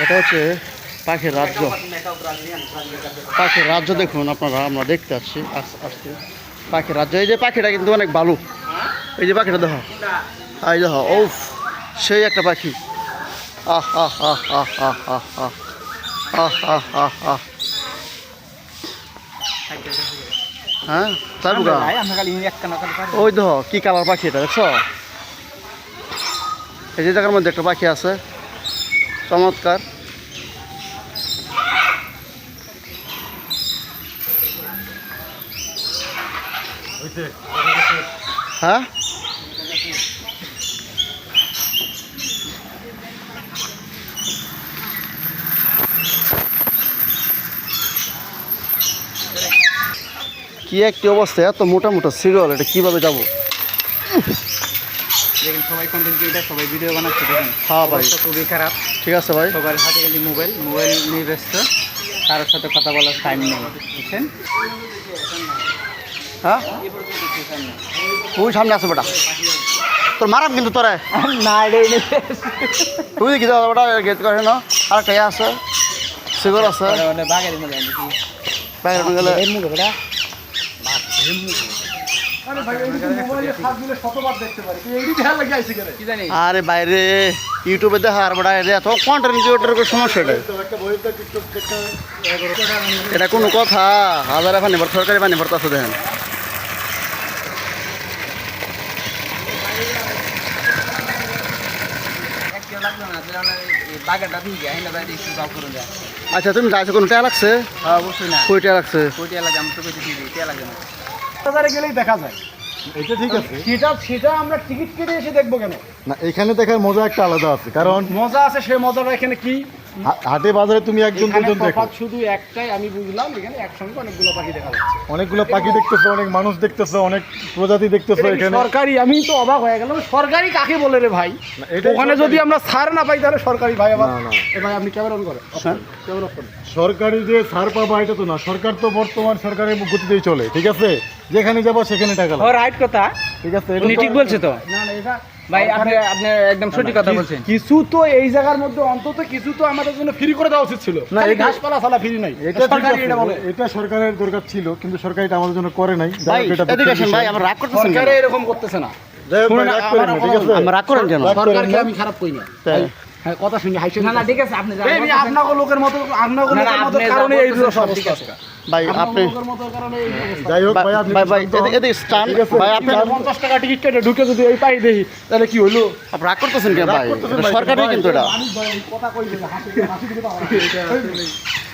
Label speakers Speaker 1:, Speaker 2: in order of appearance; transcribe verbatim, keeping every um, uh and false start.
Speaker 1: এটা হচ্ছে পাখির রাজ্য। পাখির রাজ্য দেখুন আপনারা, আমরা দেখতে আসছি আসছি পাখির রাজ্য। এই যে পাখিটা কিন্তু অনেক ভালো, এই যে পাখিটা দেখো, এই দেখো, ও সেই একটা পাখি। আহ আহ আহ আহ আহ আহ আহ আহ আহ আহ আহ হ্যাঁ তাই বুকা, ওই দেখো কি কালার পাখি এটা দেখছো। এই যে জায়গার মধ্যে একটা পাখি আছে চমৎকার। হ্যাঁ কি একটি অবস্থা, এত মোটা মোটা সিরিয়াল, এটা কিভাবে যাবো?
Speaker 2: দেখেন সবাই কন্টেন্ট ক্রিয়েটার, সবাই ভিডিও বানাচ্ছে, দেখেন
Speaker 1: হ্যাঁ ভাই
Speaker 2: খুবই খারাপ।
Speaker 1: ঠিক আছে ভাই,
Speaker 2: সবার হাতে গেলে মোবাইল মোবাইল নিয়ে ব্যস্ত, কারোর সাথে কথা বলার টাইম নেই, বুঝছেন?
Speaker 1: হ্যাঁ তুই সামনে আছে বেটা, তোর মারাম কিন্তু তোরে
Speaker 2: না
Speaker 1: তুই দেখি দাদা বেটা গেট করে না, আর কে আছে সিগর আছে
Speaker 2: বাঘের মধ্যে নাকি
Speaker 1: বাইরে গেলে
Speaker 2: বেটা
Speaker 1: আরে বাইরে ইউটিউবে দেখা আর বেটা এত কন্টেন্ট ক্রিয়েটরের সমস্যা, এটা এটা কোনো কথা? হাজারে পানি ভর সরকারি পানি ভরতে আছে দেখেন। আচ্ছা তুমি যাইছো, কোনো টাকা লাগছে?
Speaker 2: অবশ্যই না,
Speaker 1: কই টাকা লাগছে?
Speaker 2: কোটি লাগে আমি তো কইতে দিই কে লাগে না,
Speaker 3: বাজারে গেলেই দেখা যায়।
Speaker 4: এটা ঠিক আছে,
Speaker 3: সেটা সেটা আমরা টিকিট কেটে এসে দেখবো কেন?
Speaker 4: না এখানে দেখার মজা একটা আলাদা আছে, কারণ
Speaker 3: মজা আছে, সেই মজাটা এখানে কি?
Speaker 4: হা- হাটে বাজারে তুমি একজন
Speaker 3: এখানে
Speaker 4: দুজন দেখো,
Speaker 3: তফাৎ শুধু একটাই, আমি বুঝলাম এখানে একসঙ্গে অনেকগুলো পাখি দেখা যাচ্ছে।
Speaker 4: অনেকগুলো পাখি দেখতেছো, অনেক মানুষ দেখতেছো, অনেক প্রজাতি দেখতেছো
Speaker 3: এটা কি
Speaker 4: এখানে।
Speaker 3: সরকারি? আমি তো অবাক হয়ে গেলাম, সরকারি কাকে বলে রে ভাই?
Speaker 4: না, এটাই
Speaker 3: ওখানে
Speaker 4: সরকারি।
Speaker 3: যদি আমরা ছাড় না পাই তাহলে সরকারি ভাই আবার।
Speaker 4: না, না।
Speaker 3: এ ভাই আপনি ক্যামেরা অন করেন, ক্যামেরা অফ করেন।
Speaker 4: সরকারি যে ছাড় পাবা এটা তো না, সরকার তো বর্তমান সরকারের গতিতেই চলে, ঠিক আছে? যেখানে যাবো সেখানে টাকা
Speaker 2: ও
Speaker 4: লাগবে,
Speaker 2: রাইট কথা,
Speaker 4: ঠিক আছে? এটা
Speaker 2: উনি
Speaker 4: তো-
Speaker 2: ঠিক বলছে তো
Speaker 3: না না, এটা
Speaker 2: ভাই, আপনি আপনি একদম সঠিক কথা বলছেন।
Speaker 3: কিছু তো এই জায়গার মধ্যে অন্তত কিছু তো আমাদের জন্য ফ্রি করে দেওয়া উচিত ছিল।
Speaker 4: না,
Speaker 3: না,
Speaker 4: এটা-
Speaker 3: ঘাসপালা ছাড়া ফ্রি নাই,
Speaker 4: এটা ঠিক
Speaker 3: সরকারি
Speaker 4: আছে,
Speaker 3: এটা বলে।
Speaker 4: এটা সরকারের দরকার ছিল, কিন্তু সরকার এটা আমাদের জন্য করে নাই। যাই
Speaker 1: ভাই
Speaker 4: হোক, এটা
Speaker 1: এদিকে আসেন
Speaker 4: দুঃখের
Speaker 1: ভাই,
Speaker 4: বিষয়।
Speaker 1: আমরা রাগ করতেছেন কেন?
Speaker 3: সরকারে এরকম করতেছে না।
Speaker 4: যাই হোক,
Speaker 3: শুনুন,
Speaker 4: ভাই, রাগ করেন না,
Speaker 3: আমার-
Speaker 4: ঠিক আছে?
Speaker 1: আমরা রাগ করেন কেন?
Speaker 4: রাগ করেন
Speaker 3: সরকারকে
Speaker 4: না।
Speaker 3: আমি খারাপ কই না।
Speaker 1: তাই।
Speaker 3: হ্যাঁ, কথা শুনি হাইছে
Speaker 2: না না ঠিক আছে, আপনি যা
Speaker 3: এই
Speaker 2: বলতেছেন-
Speaker 3: আপনাকে লোকের মতো আপনাকে
Speaker 2: না, না,
Speaker 3: লোকের মতো
Speaker 2: আপনি যা
Speaker 3: কারণে এই
Speaker 2: বলতেছেন
Speaker 3: সব
Speaker 2: সব ঠিক আছে।
Speaker 1: ভাই
Speaker 3: আপনাকে
Speaker 1: আপনি
Speaker 3: লোকের মতো কারণে এই অবস্থা।
Speaker 4: যাই হোক ভাই, আপনি
Speaker 1: ভাই ভাই
Speaker 4: শান্ত হন।
Speaker 1: এদিকে স্টান
Speaker 4: ঠিক আছে?
Speaker 1: ভাই, আপনি
Speaker 3: পঞ্চাশ টাকা টিকিট কেটে ঢুকে যদি এই পাই দেখি তাহলে কি হইলো?
Speaker 1: আপনি রাগ করতেছেন কেন
Speaker 4: রাগ
Speaker 1: ভাই?
Speaker 4: করতেছেন
Speaker 1: এটা
Speaker 4: ভাই,
Speaker 1: সরকারি
Speaker 4: ভাই,
Speaker 1: কিন্তু এটা
Speaker 3: মানুষ ভাই কথা কই দিলে হাসি হাসি দিতে পারে